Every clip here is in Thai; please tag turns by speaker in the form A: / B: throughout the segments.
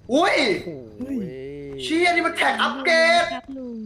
A: อุ้ย
B: โอ้ย
A: เชี่ยนี่มันแท็กอัปเกรด
C: ครับลุง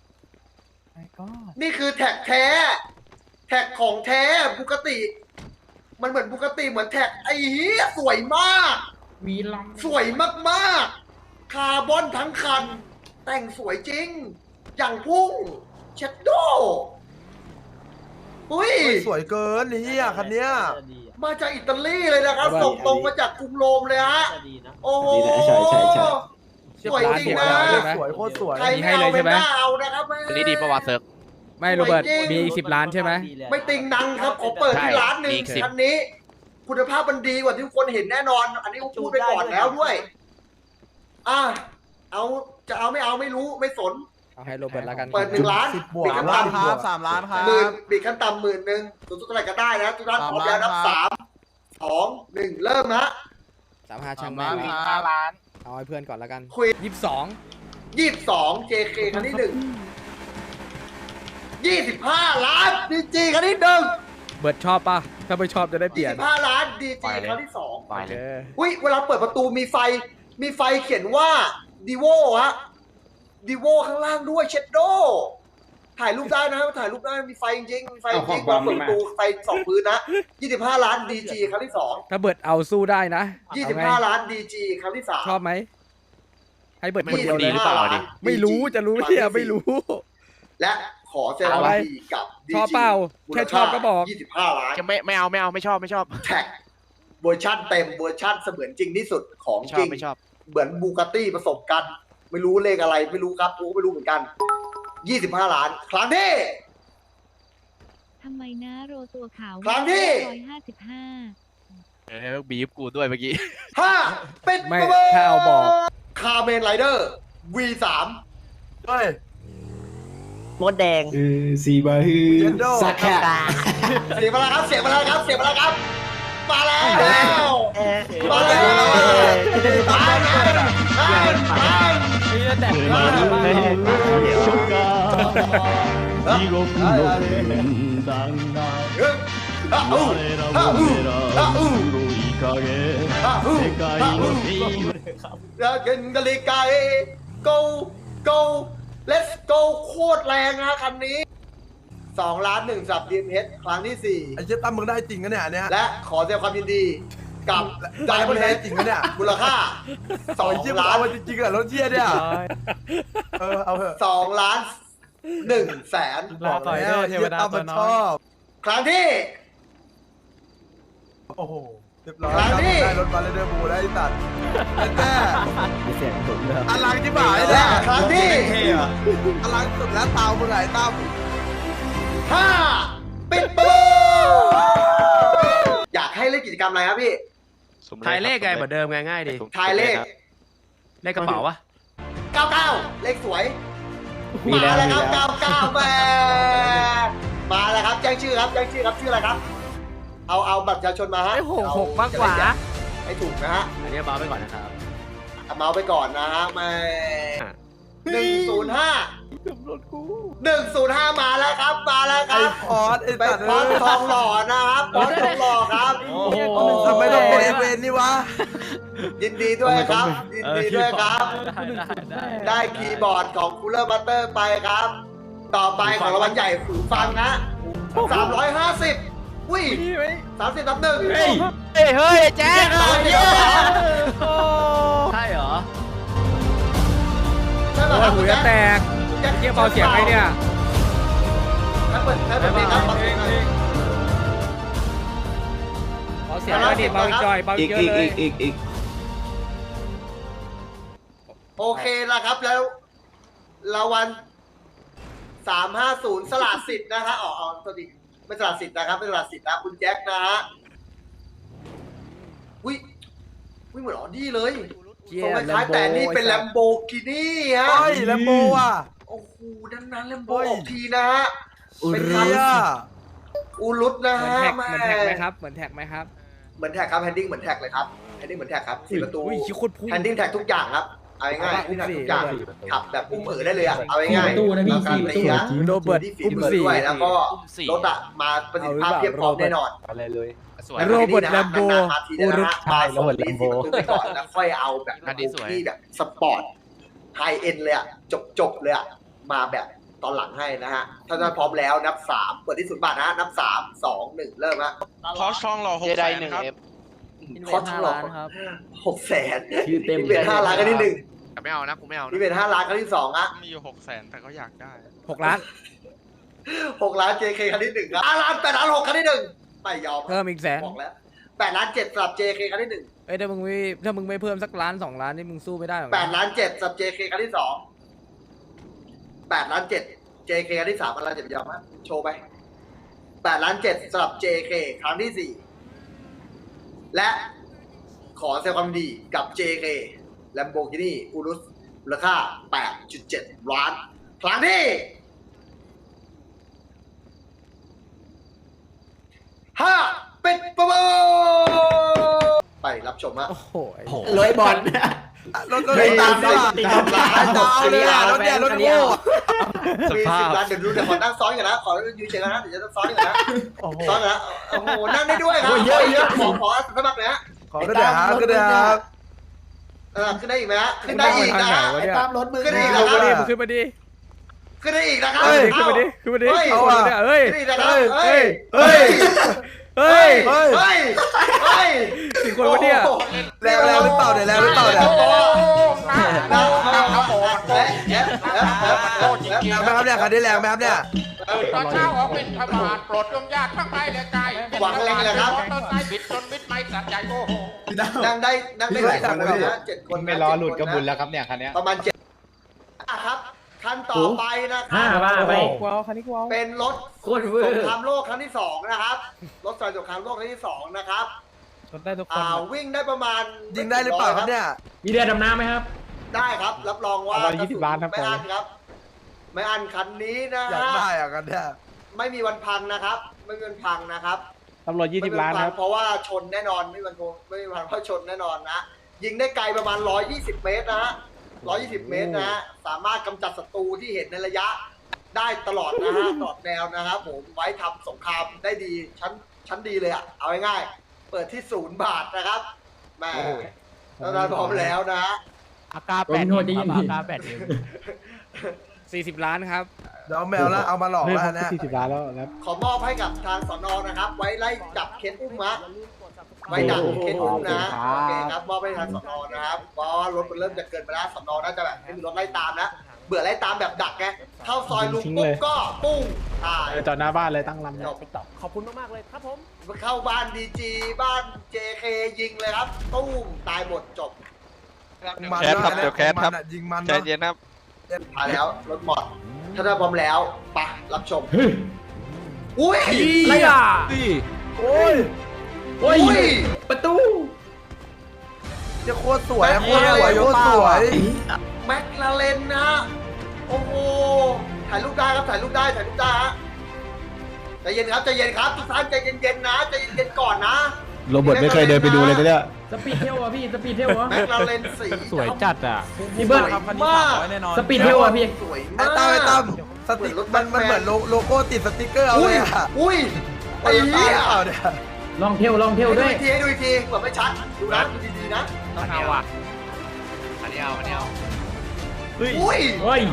A: นี่คือแท็กแท้ แท็กของแท้บุกติ มันเหมือนบุกติเหมือนแท็กไอ้เหี้ยสวยมาก
D: มีลำ
A: สวยมากๆ คาร์บอนทั้งคัน แต่งสวยจริง อย่างพุ่ง เชดโดอุ้ย
E: สวยเกินไอ้เหี้ยคันเนี้ย
A: มาจากอิตาลีเลยนะครับ ส่งตรงมาจากกรุงโรมเลยฮะ โอ้โห
F: ใช่ใช่ใช่
A: สวยจริงนะ
E: สวยโคตรสวย
A: ใครไม่เอาเป็นหน้าเอานะครับ
B: คนนี้ดีประวัติเซิร์กไม่โรเบิร์ตมีอีก10 ล้านใช่ไหม
A: ไม่ติงนังครับขอเปิดที่ร้านหนึ่ง
B: มีอีก10
A: คันนี้ คุณภาพมันดีกว่าที่ทุกคนเห็นแน่นอน อันนี้ผมพูดไปก่อนแล้วด้วย เอาจะเอาไม่เอาไม่รู้ไม่สน
B: เอาให้โรเบิร์ตแล้วกัน
A: เปิด1 ล้าน
E: 10 บวก
A: บิดขั้น
E: ล้าน
A: ต่ำ
E: ครับ3 ล้านครับ
A: หมื่นบิดขั้นต่ำ10,000สูงสุดเท่าไหร่ก็ได้นะทุกท่านพร้อมแล้วนับ
E: 3 ล้านครับ
A: 3 2 1 เริ่มฮะ
B: 35ช่าง
E: 3
B: แม่
E: ล้าน
B: ง
E: ครับ
B: เอาให้เพื่อนก่อนแล้วกัน
A: คุย
B: 22
A: 22 JK คันที่1 25 ล้าน DG คันที่1
B: เบิร์ตชอบป่ะถ้าไม่ชอบจะได้เปลี่ยน
A: 25 ล้าน DG คันที่
B: ไปเลย
A: 2อุ้ยเวลาเปิดประตูมีไฟเขียนว่าดีโวฮะดีโวข้างล่างด้วยเชดโดถ่ายรูปได้นะถ่ายรูปได้มีไฟจริงๆมีไฟจริงๆเปิดประตูไฟส่องพื้นนะ25 ล้าน DG ครั้งที่2
B: ถ้าเบิร์ตเอาสู้ได้นะเอาไง
A: 25 ล้าน DG ครั้งที่3
B: ชอบไหมให้เบิร์ตคนเดียวเลย
A: 25 ล้าน
B: ไม่รู้จะรู้เนี่ยไม่รู้
A: และขอแสดงความยินดีกับ DG
B: ชอบเปล่าแค่ชอบก็บอก
A: 25 ล้าน
B: จะไม่เอาไม่ชอบ
A: แท็กเวอร์ชั่นเต็มเวอร์ชั่นเสมือนจริงที่สุดของจริง
B: ไม่ชอบ
A: เหมือนบูกาตี้ผสมกัน ไม่รู้เลขอะไรไม่รู้ครับกูก็ไม่รู้เหมือนกัน 25 ล้าน ครั้งที่
C: ทำไมนะโรตัวขาว
A: ครั้งที่
C: 155
B: บีบกูด้วยเมื่อกี้
A: 5เป็น
B: ไม่ถ้าเอาบอก
A: คาเมนไรเดอร์ V3
E: เฮ้ย
G: มดแดง
F: สีบาฮือ
E: เจนโด
F: สักแค่
A: เสียงมาแล้วครับเสียงมาแล้วครับเสียงมาแล้วครับมาแล้ว มาแล้ว
F: 初夏地獄の天壇が我らを狙う黒い影世界の平和
A: เกินกะลิกาgo go let's go โคตรแรงนะคันนี้2 ล้าน1สับ DMH ครั้งที่
E: ไอ้เจ๊ตั้มมึงได้จริงกันเนี่ยอันเนี้ย
A: 4 และขอแสดงความยินดีกับ
E: ได้มึง
A: Diamond
E: ได้
A: Head
E: จริงกันเนี่ย
A: มูลค่า
E: ไอ้เจ๊
A: 2
E: มึง
A: ล้า
E: เอา
A: น
E: มาจริงๆเหรอรถเชี่ยเนี่ยเอาเถอะ
A: 2 ล้าน1แสน
E: บอกแล้วไอ้เจ๊ตั้มมันชอบ
A: ครั้งที่
E: โอ้โหเรียบร้อย
A: ครั้งที่
E: ได้รถมาเลยเดอร์บูแล้วไอ้สัตว์แน่
F: มีเสียงผมด้วย
E: อลังที่บ่าย
A: และ
E: เนี่ย
A: ครั้งที่
E: อลังสุดแล้วเตามึงไหนตั้ม
A: 5ปิดประตูอยากให้เล่นกิจกรรมอะไรครับพี่
B: ทายเลขไงเหมือนเดิมไงง่ายดิ
A: ทายเลข
B: เลขกระเป๋าวะ
A: 99 เลขสวย
F: มี
A: มา
F: แล้ว
A: แล้ว
F: มี
A: ครับ
F: แล้ว
A: 99แม่มาแล้วครับแจ้งชื่อครับแจ้งชื่อครับชื่ออะไรครับ เอาบัตรประชาชนมาฮะ
B: ไอ้66มากกว่า
A: ให้ถูกนะฮะ
B: อันนี้เบาไปก่อนนะครับ
A: เอาเมาส์ไปก่อนนะฮะแม่105มาแล้วครับมาแล้วค
E: ไอ้
A: รับ
E: พอดไอ้
A: ไป
E: สัตว์
A: พอดทองหล่อนะครับพอดทองหล่อครับ
E: โอ้โหทำไมต้องเป็นไอ้เวนนี่วะ
A: ยินดีด้วยครับยินดีด้วยครับ
B: ได้
A: ได้คีย์บอร์ดของคูลเลอร์บัตเตอร์ไปครับ ต่อไปของรางวัลใหญ่หูฟังนะ350อุ้ย30นับหนึ่ง
B: เฮ้ยแจ๊ค ใช่เหรอ
A: ใช่ไหม
B: โอ้
A: ครับ
B: หู
A: คุณ
B: จะแต
A: แจ็ค
B: กเทียบเบาเสียงไงเนี่ย
A: ใช้เปิดเพลงครับเปิดเพลงหน่อย
B: เบาเสียงแล้วดิเบาจอยเบา
F: อีก
B: เยอะ
F: อีก
B: เล
F: อี
B: ย
F: กอีกอีก
A: โอเคแล้วครับแล้วรางวัล350สละสิทธิ์นะฮะอ๋อสวัสดีไม่สละสิทธิ์นะครับไม่สละสิทธิ์นะคุณแจ็คนะฮะอุ้ยเหมือนออดี้เลย
B: เชี่
A: ทรง
B: ย
A: คล้ายๆแต่นี่เป็นแลมโบกินี่ฮะ
E: เฮ้ยแลมโบว่ะ
A: โอ้โหดันแลมโบ
E: เฮ้ย
A: ออกทีนะฮะ เป็น
E: เฮี
A: คัน
E: ย
A: อูรุตนะ
B: เหมือน
A: ฮะ
B: แท็กไหมครับ เหมือนแท็กไหมครับ
A: เหมือนแท็กครับแฮนดิ้งเหมือนแท็กเลยครับแฮนดิ้งเหมือนแท็กครับ4 ประตู
B: อุ้ยชิโคตรพุ่ง
A: แฮนดิ้งแท็กทุกอย่างครับเอาง่ายๆทุกอย่างขับแบบอุ้มได้เลยอ่ะเอาง่ายๆ
D: 4 ประตูนะพี่
A: การ
D: 4 ประตู
A: ตีนะ
B: โรเบิร์ต
A: ที่ฝี
B: อุ้ม
A: มือ
B: สี่
A: ด้วยแล้วก็รถอะมาประสิทธิภาพเพียบพร้อมแน่นอน
H: อะไรเลย
B: โรเบิร์ตแลมโบ
A: มาทีนะฮะ
H: ใช่โรเบิร์ตแลมโบ
A: ไปก่อนแล้วค่อยเอาแบบที่แบบสปอร์ตไฮเอ็นเลยอะจบเลยอะมาแบบตอนหลังให้นะฮะถ้าพร้อมแล้วนับ3เปิดที่0 บาทนะนับ3 2 1เริ่มฮะ
I: พอช่องรอ6 แสนครับ
A: คอสหลอก600,000
D: ชื่อเต็ม
A: นี่เป็น5 ล้านครั้งที่1
I: แต่ไม่เอานะกูไม่เอา
A: นี่
I: นะ
A: เป็น5 ล้านครั้งที่2อะ
I: มีอยู่6 แสนแต่เขาอยากได้
B: 6 ล้าน
A: 6 ล้าน JK ครั้งที่1ครับ5 ล้าน8 ล้าน6ครั้งที่1ไม่ยอม
B: เพิ่มอีกแสน
A: บอกแล้ว8 ล้าน7สำหรับ JK ครั้งที่1
B: เอ้ยถ้ามึงไม่เพิ่มสักล้าน2 ล้านนี่มึงสู้ไม่ได้หรอกนะ
A: 8 ล้าน7สำหรับ JK ครั้งที่2 8 ล้าน7 JK ครั้งที่3อะไรจะยอมฮะโชว์ไป8 ล้าน7สำหรับ JK ครั้งที่4และขอแสดงความยินดีกับ JK Lamborghini Urus มูลค่า 8.7 ล้านครั้งที่5ปิดประมูลไปรับชมฮะ
B: โอ้โหไอ้
D: ร้อยบอล
E: รถตามด้วยตามเลยอ่ะรถเนี่ยรถโง่
A: มี10 ล้านเดี๋ยวดูเดี๋ยวขอนั่งซ้อนกันนะขอยืนเฉยๆนะเดี๋ยวจะซ้อนกันนะซ้อนกันนะโอ้โหนั่งได้ด้วยครับเยอะขอสมัครเลยฮะ
E: ขอก็ได้ครับก็ได้ครับ
A: ขึ้นได้อีกไหมฮะขึ้นได้อีกนะฮะ
B: ไอ้ตามรถมึง
A: ขึ้นได้อีก
B: ล
A: นะ
B: ง
A: ค
B: มา
A: รับ
B: ดิมึงขึ้นมาดิ
A: ขึ้นได้อีกนะครับ
B: ขึ้นมาดิขึ้นมาดิ
A: เฮ้ย
B: เอาอ่ะเฮ้ย
A: ขึ้นได้อีกนะครับ
B: เฮ้ย
A: เฮ้ย
B: เฮ้ย
A: เฮ้ยเฮ้ยเฮ้ย
B: ถึงคนวะเนี่ย
E: แรงหรือเปล่าเนี่ยแรงหรือเปล่าเนี่ยแรงไหมครับเนี่ยคันนี้แรงไหมครับเนี่ย
I: ตอนเช้าออกเป็นขบาทโปรดจงญาติทั้งหลายและใจ
A: หวังแรงเลยครับ
I: ต้นไม้บิดจนมิดไม้สัตว์ใหญ่โอ้โห
A: นั่งได้หลายคนเลยนะ7 คน
H: ไม่รอหลุดกระบุญแล้วครับเนี่ยคันเนี้ย
A: ประมาณ7ครับคันต่อไปนะครับ
D: ว่าไป
B: ว้าวคันนี้ว้าว
A: เป็นรถ
D: โคตรเวอ
A: สง
D: ร์
A: ครามโลกครั้งที่2นะครับรถไฟสงครามโลกครั้งที่2นะครับ
B: รถได้ทุกคน
A: วิ่งได้ประมาณ
E: ยิงได้หรือเปล่าครับเนี่ย
D: มีเรือดำน้ำไหมครับ
A: ได้ครับรับรองว่า
H: 120 ล้านครับ
A: ไม่อั้นครับ ไม่อั้นคันนี้นะ
E: อยาก
A: ฮะ
E: ได้อ่ะกันเนี่ย
A: ไม่มีวันพังนะครับ ไม่มีวันพังนะครับ
H: ตำรวจ
A: ไม่มี
H: 20 ล้าน
A: พั
H: ครับ
A: เพราะว่าชนแน่นอนไม่มีวันเพราะชนแน่นอนนะยิงได้ไกลประมาณ120 เมตรนะฮะ120 เมตรนะฮะสามารถกำจัดศัตรูที่เห็นในระยะได้ตลอดนะฮะตลอดแนวนะครับผมไว้ทำสงครามได้ดีชั้นดีเลยอ่ะเอาง่ายๆเปิดที่0 บาทนะครับแม่ตอนนั้นพร้อมแล้วนะฮะ
B: อากา
D: โอ้ยโหดจริง
B: อากา40 ล้านครับ
E: เดี๋ยวเอาแมวแล้วเอามาหลอกแล้วเนี่ย
H: 40 ล้านแล้วครับ
A: ขอมอบให้กับทางสนนะครับ ไว้ไล่จับเคสอุ้มฮะไว้ดักเคสอุ้มนะโอเคครับมอบให้ทางสนนะครับเพราะรถมันเริ่มจะเกินไปแล้วสนน่าจะแบบให้มีรถไล่ตามนะเบื่อไล่ตามแบบดักไงเข้าซอยลุงปุ๊บก็ปุ้งตาย
H: จอดหน้าบ้านเลยตั้งลำ
A: จ
H: เนี่ย
A: บ
D: ขอบคุณมากๆเลยครับผม
A: เข้าบ้านดีจีบ้าน JK ยิงเลยครับตุ้มตายหมดจบ
E: มัน
I: แคสครับเดี๋ยวแคสครับ
E: ยิงมัน
I: ใจเย็นครับ
A: มาแล้วรถหมดถ้าได้พร้อมแล้วไปรับชมอุ้ย
B: อะไรอ่ะ
E: โอ้ย
D: โอ้ย
A: อุ้ย
D: ประตู
E: จะโคตรสวยโคตรสวยโคตรสวย
A: แม็กลาเรนนะฮะโอ้โหถ่ายรูปได้ครับถ่ายรูปได้ฮะใจเย็นครับใจเย็นครับทุกท่านใจเย็นๆนะใจเย็นๆก่อนนะ
H: โรเบิร์ตไม่เคยเดินไปดูเลยนะเนี่ย
D: สปีดเทลอ่ะพี่สปีดเทลอ่ะ
A: แม็กลาเรนสี
B: สวยจัดอ่ะ
D: พี่เบิร์ด
A: มาก
D: สปีดเทลอ่ะพี่
A: สวย
E: ไอ้
A: มาก
E: ตั้มสติ๊กมันเหมือนโลโก้ติดสติ๊กเกอร์เอา
A: อุ้
E: เลย ยอ่ะ
A: อุ้ยไอ้
E: ไอ้
A: เหี้
E: เหี้
A: ย
E: ยเปล่าเนี่ย
D: ลองเทลด้วย
A: ให้ดูอีกทีเหมือนไม่ชัดดูนะดูดีๆนะ
I: ต้องเอาอ่ะอันนี้เอา
A: อุ้ย
D: เฮ้ย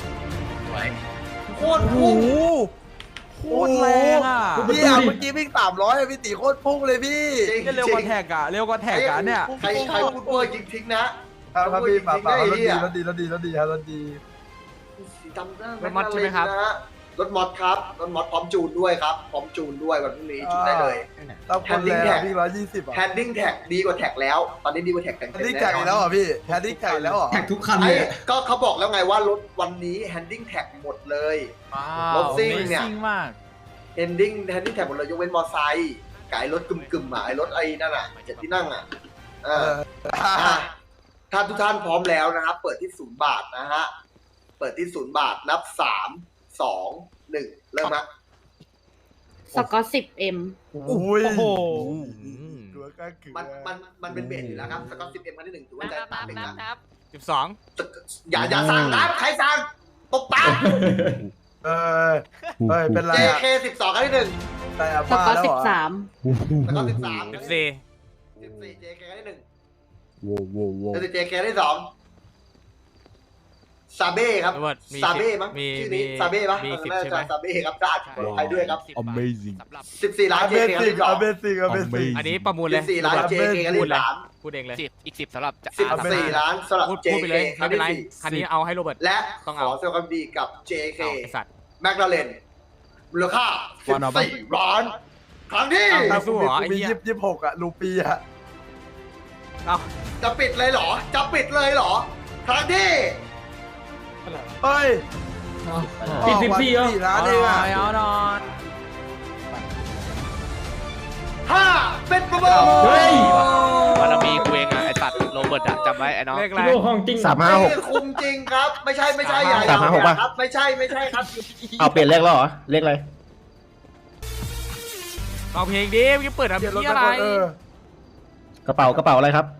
A: โคตรพุ่ง
E: โคตรแรงอ่ะพี่อ่ะเมื่อกี้วิ่ง300พี่ตีโคตรพุ่งเลยพี่
A: จริงเร็วกว่าแท็กอ่ะเร็วกว่าแท็กอ่ะเนี่ยใครพูดเวอร์จริงทิ้งนะครับ
E: พี่ป่าร
A: ถดี
E: รถดีครับรถดี
A: สีดำหน้าร
B: ถมอสใช่ไหมครับ
A: รถมอสครับรถมอสพร้อมจูนด้วยครับพร้อมจูนด้วยวันพรุ่งนี้จูนได้เลย
E: เราคนแรงพี่120อ่ะ
A: แฮนดิ้งแท็กดีกว่าแท็กแล้ว ตอนนี้ดีกว่าแท็กแต่ง
E: แฮนดิ้งแท็กอีกแล้วเหรอพี่แฮนดิ้งแท็กอีกแล้วเหรอ
D: แท็กทุกคัน
A: ไอ้
D: เลย
A: ก็เขาบอกแล้วไงว่ารถวันนี้แฮนดิ้งแท็กหมดเลยรถซิ่งเนี่ยแฮนดิ้งแท็กหมดเลยยกเว้นมอไซค์กับไอ้รถกึ่มๆอ่ะไอ้รถไอ้นั่นอ่ะ7 ที่นั่งอ่ะถ้าทุกท่านพร้อมแล้วนะครับ เปิดที่0 บาทนะฮะเปิดที่0 บาทนับ3 2 1เริ่มฮะ
J: สกอต 10M
E: อุ้ย
A: มันเป็นเบสอยู่แล้วครับสกอต 10M ครั้งที่ 1ถือว่าใจตามหนึ่งนะ
B: 12
A: อย่าสั่งนะใครสั่งตบปาก
E: เออเป็นไรอะ
A: JK 12 ครั้งที่ 1
E: แต่
J: ส
E: บ้าก
J: อ
E: แล้ว
J: ร์
E: เหรอ
J: 13
A: แล้วก็ 13
B: 14
A: JK ครั้งที่ 1
H: โว้โว้โว้
A: แล้ว JK ครั้งที่ 2 ซาเบ้ครับ
B: โรเบิร์ตมี
A: ซาเบ้มั้ง
B: มี
A: ชื่อนี้
B: มี
A: ซาเบ้ปะ
B: มี
A: เออ
B: 10
A: น่า
B: ใช่ไหม
A: จะซาเบ้ครับได้ขออภัยด้วยครับ
H: Amazing
A: 14 ล้าน JK ครั้งที่ 2
E: Amazing
B: อันนี้ประมูลเลย
A: 14 ล้าน JK ครั้งที่
B: พูดเองเลย
I: อีก10สำหรับจะ
A: 3 14 ล้านสำหรับ
B: พูด
A: JK
B: ไปเลย
A: ครั้
B: ไม่
A: ง
B: เป็นไร
A: ที่
B: คันนี้เอาให้โรเบิร์ต
A: 4และ
B: ต้อง
A: ข
B: เอา
A: อแสดงความดีกับ JK
B: เอาไอ้สัตว์
A: แมคลาเรนมูลค่า 14 ล้าน ครั้งที่
B: ไม่สู้เหรอไอ้
E: มี
B: เหี้ย
E: 26อะลูปีอะ
B: เอา
A: จะปิดเลยเหรอ จะปิดเลยเหรอ ครั้งที่
E: เฮ้ย
D: ปิด14เหรอ
E: 4 ล้านเองอะ
B: เอาหน่อย
A: 5 เป็นประมูล
D: เฮ้ย
I: บารมีกูเองอะไอ้ตัดโรเบิร์ตอะจำไว้ไอ้น้อง
B: เลขอะไร
D: โลของจริง
A: นี่คุมจริงครับ ไม่ใช่อย่า
H: 356ป่ะ
A: ครับไม่ใช่ครับ
H: เอาเปลี่ยนเลขแล้วเหรอ เลขอะไร
B: เอาเพลงดิเมื่อกี้เปิดอะ
E: เดี๋ยวรถ
B: พี่
E: ไป
B: อะไร
E: ก่อน
H: กระเป๋าอะไรครับ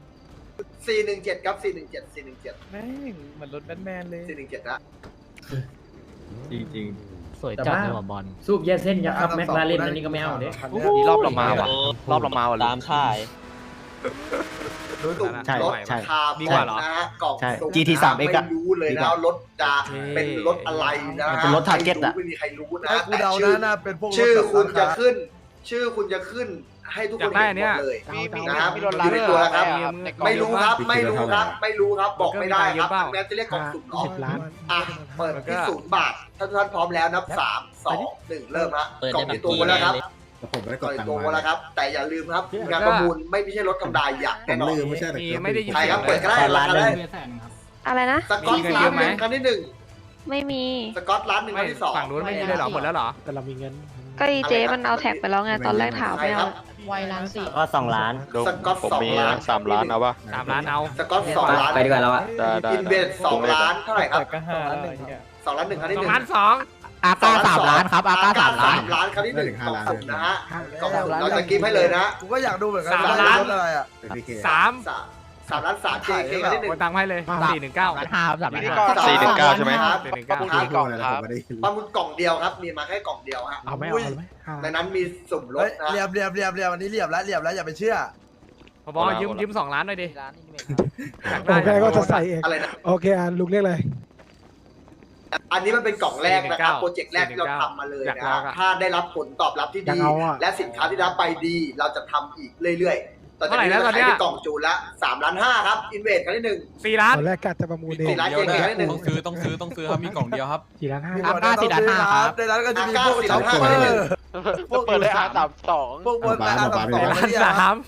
A: 417 ครับ 417
H: แม่งเหมือนรถแบทแมนเลย
A: 417นะ
H: จริง
D: สวยจัดเลยว่ะบอลสูบแย่เส้นยักษ์ครับแม็กลาเรนอันนี้ก็ไม่เอาเด้
I: นี่รอบเรามาว่ะรอบเรามาว่ะ
G: ตามค่าย
A: ตุ่ม
H: ใช่
A: รถ
H: ใช่
A: คาร์บอนนะฮะกล่อง
H: ใช่
A: สุ่ม
H: GT3
A: ไม่
H: X อะ
A: รู้เลยนะว่ารถจะเป็นรถอะไรนะ
H: มัน
A: ฮะ
H: เป็นรถ Target อะ
A: ไม่มีใครรู้นะ
E: ให้กูเดา
A: แต่
E: นะน่าเป็นพวกรถ
A: ชื่อคุณ
E: แบบ
A: จะ
E: ราา
A: ขึ้น ชื่อคุณจะขึ้นให้ทุกคนเห็นหมดเลย
I: มี
A: นะครับ
I: มีรถ
A: อ
I: ลา
A: ยู่ในตัวแล้วครับ
I: ในกล่อง
A: ไม่รู้ครับ ไม่รู้ครับ บอกไม่ได้ครับแม้จะเรียกกล่องสุ่มเนาะ
H: 10 ล้าน
A: อ่ะ เปิดที่0 บาท ถ้าทุกท่านพร้อมแล้วนับ 3 2 1 เริ่มฮะ
G: เปิด
A: กล่อง
G: ได้
A: ที่ตัวมาแล้วครับ
H: ผมไม่ได้
A: ก
H: ก
A: ล่อ
H: ด
A: ง
H: ตัง
A: ตัว
H: ค์
A: มาแล้วครับ แต่อย่าลืมครับงานประมูลไม่ใช่รถธรรมดาอย่างแน่นอน
H: ไม่ใช่
B: มีไม่ได้ยิน
A: ใคร
B: เสีย
A: ครั
B: ง
A: บ
B: เล
A: เปิ
B: ย
A: ดก็ได้ราคาได้
J: อะไรนะ
A: สกอต
B: มีกัน
A: ล้า
B: เย
A: น
B: อะ
A: ห
B: ไหม
A: นึ่งครั้งที่
J: ไม่มี
A: 1สกอตล้านหนึ่งค
B: ไม่
A: รั้งที่2
B: ฝั่งนู้นไม่มีเลยเหรอหมดแล้วเหรอ
H: แต่เรามีเงิน
J: ก็อีเจมันเอาแท็กไปแล้วไง ตอนแรกถาม
A: ใคร
J: ไม่
A: ครั
J: เอา
A: บ
J: ไวล้านสี่
G: ก็2 ล้าน
A: สกอต2 ล้าน
I: 3 ล้านเอาปะ
B: 3 ล้านเอา
A: สกอต2 ล้าน
G: ไปดีกว่าแล้วอะ
A: อินเวส2 ล้านเท่าไหร่ครับ
H: ก็5
A: 2 ล้าน 1 ครั้งที่
B: 2
A: 1
B: ล้าน
G: อาก้า3 ล้านครับอาก้า3 ล้าน
A: 3 ล้านครั้งที่ 1
H: 1
A: กล่องสุ่มนะฮะ
H: 5
A: กล่องสุ่มเราจะกิฟต์ให้เลยนะ
E: กูก็อยากดูเหมือนกัน
B: 3
E: ว่
B: ล้าน
E: รถอะไรอะ
B: 2 3
A: 3 ล้าน 3 JK ครั้งที่
B: โอนตังค์ให้เลย419
G: 5 3
I: นี่
G: ล้าน
I: ก็
A: 1
I: 419ใช่ไหม
A: ประมูล
I: กี่กล่องครับ
A: ประมูลกล่องเดียวครับ มีมาแค่กล่องเดียวฮะ
H: เอาไหมเอาไหม
A: ในนั้นมีสุ่มร
E: เฮ้
A: ถ
E: ย
A: นะ
E: เรียบอันนี้เรียบแล้วอย่าไปเชื่อ
B: พอบอยืม2 ล้านหน่อยดิอยาก
H: โอเค
B: ได้
H: ก็จะใส่เอง
A: อะไรนะ
H: โอเคลุงเรียกอะไร
A: อันนี้มันเป็นกล่องแรกนะครับ โปรเจกต์แรกที่เราทำมาเลยนะฮะถ้าได้รับผลตอบรับที่ดี และสินค้าที่ได้รับไปดี เราจะทำอีกเรื่อยๆ ตอนนี้เราขายเป็นกล่องจูนละ3 ล้าน 5ครับ อินเวสครั้งที่
B: 4 ล้าน
H: ตอนแรกกะจะประมูลเอง
A: 4 ล้าน JK ครั้งที่
K: ต้องซื้อครับมีกล่องเดียวครับ
H: 4 ล้าน
E: มี
H: 5
E: หมดนะต้องซื้อครับในนั้นก็จะมีพวก
A: 4 ล้าน 5 ครั้งที่ 1
I: เปิดได้R32
E: พวกบนอาร์ตสอง
B: ล้าน
E: เนี่ย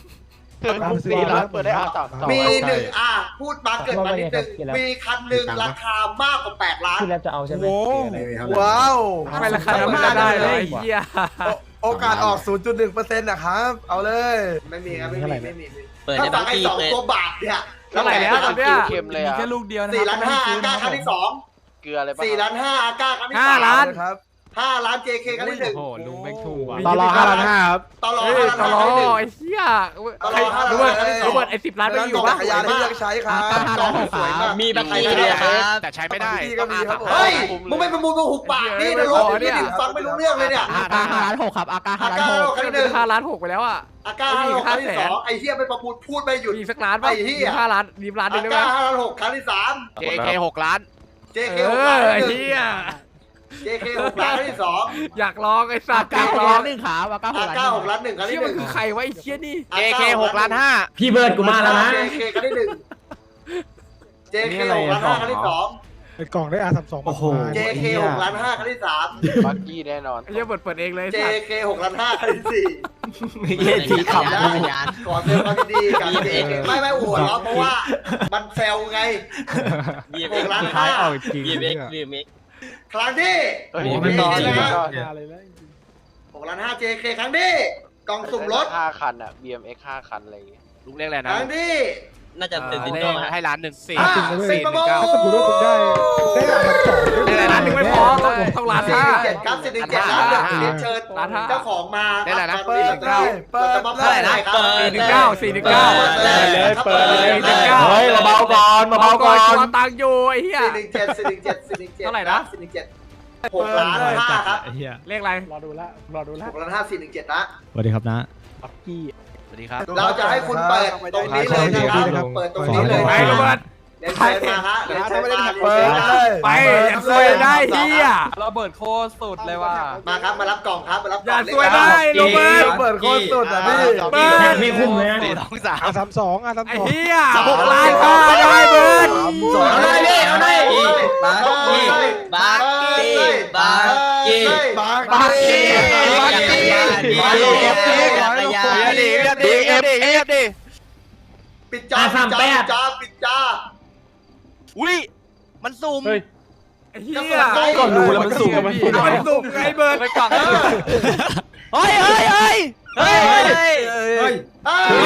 B: 3
I: เปิดได้R32
A: มีพูดมาเกิดมานิดนึงมีคันหนึ่งราคามากกว่า8 ล้าน
E: โว้าว
B: ไม่ราคาไม่ได้เลยไอ้เหี้ย
E: โอกาสออก 0.1% นะครับ เอาเลย
A: ไม่มีครับ ไม่มี
G: เปิด
A: ถ้า
G: ใน
A: ฟั
G: บาง ง
A: ไอ้
G: ที
A: 2
G: เปิด
A: ตัวบาทเนี่ย
B: เท่าไหร่แล้วตอนเนี้ย
I: เค็มเลยอะ
K: แค่ลูกเดียวนะ
A: 4 ล้าน 5 อาก้าครั้งที่
I: เกลืออะไรปะ
A: 2 4 ล้าน 5 อาก้าครั้งที่
B: 5 ล้าน
E: ครับ
A: 5 ล้าน JK ครั้งที่
B: โอ้โหลุงแม่งถูกว่ะ
H: ต่อรอ5 ล้าน 5 ครับ
A: 1ต่อรอ
B: เฮ้ย
A: 5 ล้าน
B: ตลอ
A: ครั้งที่
B: ไอ้เหี้ย
A: ตลอ5 ล้าน
B: รู้ป่ะ
A: ครั้งที่
B: รู้ป่ะไอ้10 ล้านไม่อยู่
A: จั
B: ป่ะ
A: กรยานให้เลือกใช้ครับ
G: มีบักกี้ด้วยครับ
I: แต่ใช้ไม่ได้
E: ก็มีครับ
A: เฮ้ย มึงไม่ประมูลมึงหุบปากนี่นะลูกนี่ฟังไม่รู้เรื่องเลยเนี่ย
G: อาก้า5 ล้าน 6 ครับอาก้า
A: อา
G: 5 ล้าน
A: ก้า
G: 6
A: ครั้งที่
B: 5 ล้าน 6ไปแล้วอ่ะ
A: อาก้าครั้งที่2ไอ้เหี้ยไม่ประมูลพูดไม่หยุด
B: มีสักล้านป่ะ
A: ไอ้เหี้ย
B: 5 ล้านยืมล้านหนึ
A: อาง
B: ได้ไหม
A: ก้า5 ล้าน 6 ครั้งที่
I: JK 6 ล้าน
A: 3 JK
B: เอ
A: 6 ล้าน
B: อไอ้
A: ที่
B: เหี้ย
A: 1 JK 6 ล้านครั้งที่ 2
B: อยากลองไอ้สั
G: อา
B: ตว์อาก
G: ก้าย6
B: ลอ
G: ล้าง น 1 ครับอาก้า6 ล้าน
A: อาก้า6 ล้าน 1 ครั้ง
B: เชี่
A: ที่
B: ยมัน
A: 1
B: คือใครวะไอ้เชี่ยนี่
I: JK 6 ล้าน 5
D: พี่เบิร์ดกูมาแล้วนะ
A: JK ครั้งที่ 1 JK 6 ล้าน 5 ครั้งที่ 2
H: ไอ้กล่องได้ R32 โอ้โห
A: JK 6 ล้าน 5 ครั้งที่
I: บักกี้แน่นอน
B: ไอ้เหี้ยเปิดเองเลย
A: 3 JK 6 ล้าน 5 ครั้งที่
G: เย้ทีขับ
A: 4 แล้วขอแสดงความยินดีกับ JK ไม่หัวเราะเพราะว่ามันแซวไง 6 ล้าน
H: ท้ายเอา
A: 5
H: จริง
G: BMX BMX
A: ครั้งที่
I: ไม่นอน
A: JK นะ
H: อะไรแล้ว
A: 6 ล้าน 5 JK ครั้งที่กล่องสุ่มรถ
I: 5 คันอะ BMX 5 คันอะไรอย่างเงี้ยลุงเรียกอะไร
A: ค
I: นะ
A: รั้งที่
G: น่าจะตื่น
B: เล
G: เต้น
B: ข
I: ให้ล้านหนึ่ง
B: 4
A: 10 ประมูล
H: กูรู้คุณได้R32
B: ได้ล้านหนึ่งไม่พอต้องล้าน
A: สี่
B: ห้า
A: หนึ่งเจ็ดครับ417ล้านเรียนเชิญ
B: ล้านห้า
A: เจ้าของมา
I: ได้แล้วนะ
A: เปิดจะมอบ
G: เท่าไหร่นะ
A: ครับ
G: เปิด
B: 419 419
A: เปิดเลย
H: เปิดเลย
B: 419
H: เฮ้ยเบาก่อน
B: อนเบาๆก่อนตัวตังค์อยู่ไอ้เหี้ย
A: 417
B: เท่าไหร่นะ
A: 417 6,500,000ครับ
B: เลขอะไร
H: รอดูละ
A: 6,500,000 417นะ
F: สวัสดีครับนะ
H: ปักกี้
B: สวัสดีครับ
A: เราจะให้คุณเปิดตรงนี้เลยนะครับเปิดตรงนี้เลย
B: ไปโรเบิร์ต
A: เรียนเชิญมาฮะเรียนเชิญมา
E: เปิดเลย
B: ไปอย่าซวยได้เหี้ย
K: เราเบิร์ดโคตรสุดเลยว่ะ
A: มาครับมารับกล่องครับมารับก
B: อ
A: ล่
B: ย่า
A: อง
B: ซวยได้โรเบิร์ต
E: เปิดโคตรสุดอ่ะพี่
B: เบิร์ต
D: ไม่คุ้มเลยนะ
H: R32
B: ไอ้เหี้ย6 ล้านค่าได้เบิร์ต
A: เอาเลยพี่เอาเลยบาร์กี้บาร์กี้บาร์กี้บาร์กี้ปิดจ้าปิดจ้า
G: อุ้ยมันซูม
B: ไอ้เหี้ย
K: ก็รู้แล้วมันสูง
B: มันสุ่มไงเบิร์ต
K: ไปกล่อง
G: เฮ้ยเฮ้ยเฮ้ยเฮ้ย
A: เฮ้ย